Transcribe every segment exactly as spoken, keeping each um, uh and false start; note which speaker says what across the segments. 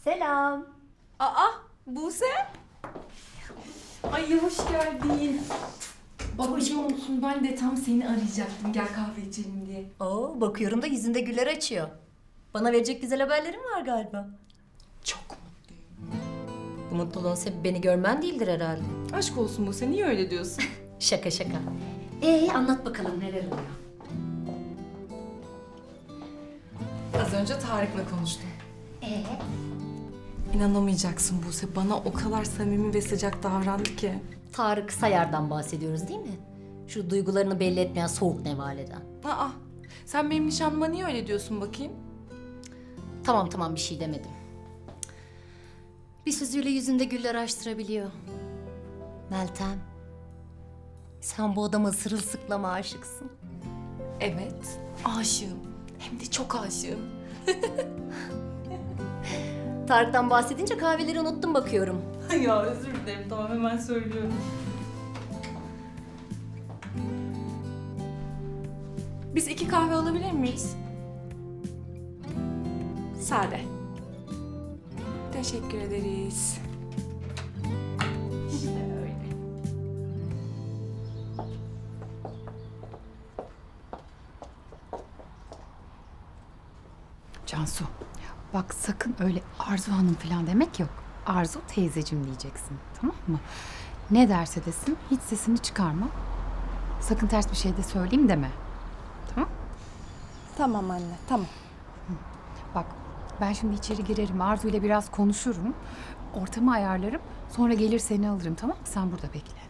Speaker 1: Selam.
Speaker 2: Aa, Buse. Ay hoş geldin. Babacığım olsun, ben de tam seni arayacaktım. Gel kahve içelim diye.
Speaker 1: Oo, bakıyorum da yüzünde güller açıyor. Bana verecek güzel haberlerin var galiba.
Speaker 2: Çok mutluyum.
Speaker 1: Bu mutluluğun sebebi beni görmen değildir herhalde.
Speaker 2: Aşk olsun Buse, niye öyle diyorsun?
Speaker 1: Şaka şaka. Ee anlat bakalım neler oluyor.
Speaker 2: Az önce Tarık'la konuştum.
Speaker 1: Ee?
Speaker 2: İnanamayacaksın Buse, bana o kadar samimi ve sıcak davrandı ki.
Speaker 1: Tarık Sayar'dan bahsediyoruz değil mi? Şu duygularını belli etmeyen soğuk nevaleden.
Speaker 2: Aa, sen benim nişanlıma niye öyle diyorsun bakayım?
Speaker 1: Tamam tamam bir şey demedim. Bir sözüyle yüzünde güller açtırabiliyor. Meltem. Sen bu adama sırılsıklama aşıksın.
Speaker 2: Evet, aşığım. Hem de çok aşığım.
Speaker 1: Tarık'tan bahsedince kahveleri unuttum bakıyorum.
Speaker 2: Ya özür dilerim, tamam hemen söylüyorum. Biz iki kahve alabilir miyiz? Sade. Teşekkür ederiz. İşte öyle.
Speaker 3: Cansu, bak sakın öyle Arzu Hanım falan demek yok. Arzu teyzecim diyeceksin, tamam mı? Ne derse desin, hiç sesini çıkarma. Sakın ters bir şey de söyleyeyim deme. Tamam?
Speaker 4: Tamam anne, tamam.
Speaker 3: Bak, ben şimdi içeri girerim, Arzu ile biraz konuşurum. Ortamı ayarlarım, sonra gelir seni alırım, tamam mı? Sen burada bekle.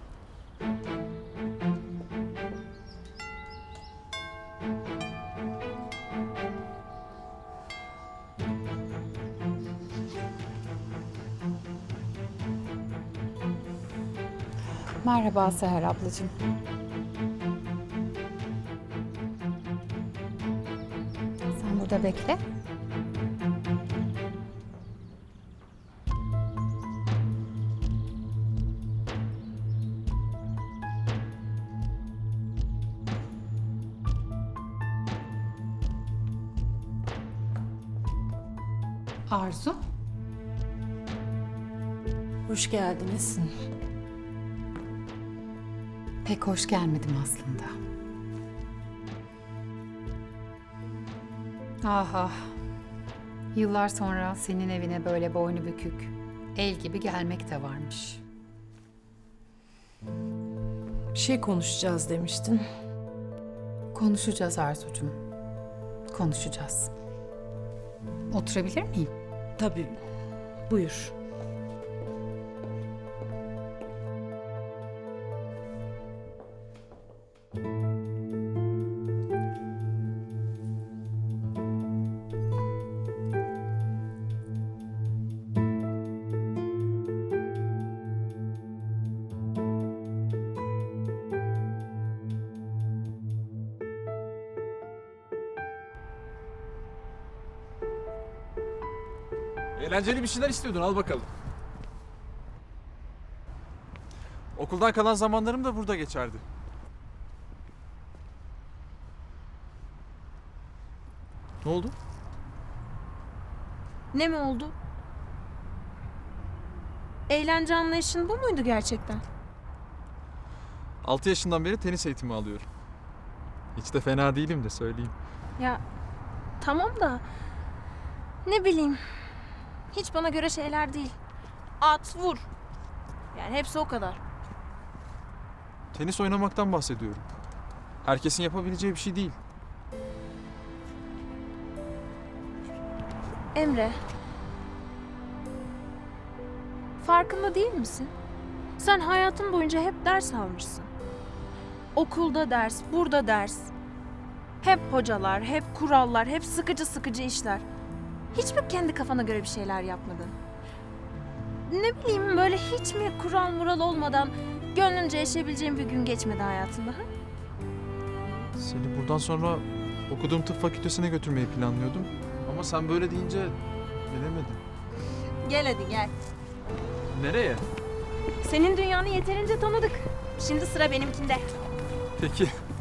Speaker 3: Merhaba Seher ablacığım. Sen burada bekle. Arzu.
Speaker 4: Hoş geldiniz.
Speaker 3: Pek hoş gelmedim aslında. Ah ah. Yıllar sonra senin evine böyle boynu bükük, el gibi gelmek de varmış.
Speaker 4: Bir şey konuşacağız demiştin.
Speaker 3: Konuşacağız Arzucuğum. Konuşacağız. Oturabilir miyim?
Speaker 4: Tabii, buyur.
Speaker 5: Eğlenceli bir şeyler istiyordun, al bakalım. Okuldan kalan zamanlarım da burada geçerdi. Ne oldu?
Speaker 6: Ne mi oldu? Eğlence anlayışın bu muydu gerçekten?
Speaker 5: Altı yaşından beri tenis eğitimi alıyorum. Hiç de fena değilim de söyleyeyim.
Speaker 6: Ya tamam da ne bileyim, hiç bana göre şeyler değil. At, vur. Yani hepsi o kadar.
Speaker 5: Tenis oynamaktan bahsediyorum. Herkesin yapabileceği bir şey değil.
Speaker 6: Emre, farkında değil misin? Sen hayatın boyunca hep ders almışsın. Okulda ders, burada ders. Hep hocalar, hep kurallar, hep sıkıcı sıkıcı işler. Hiç mi kendi kafana göre bir şeyler yapmadın? Ne bileyim, böyle hiç mi kural mural olmadan gönlünce yaşayabileceğin bir gün geçmedi hayatında? Ha?
Speaker 5: Seni buradan sonra okuduğum tıp fakültesine götürmeyi planlıyordum. Ama sen böyle deyince bilemedim.
Speaker 6: Gel hadi gel.
Speaker 5: Nereye?
Speaker 6: Senin dünyanı yeterince tanıdık. Şimdi sıra benimkinde.
Speaker 5: Peki.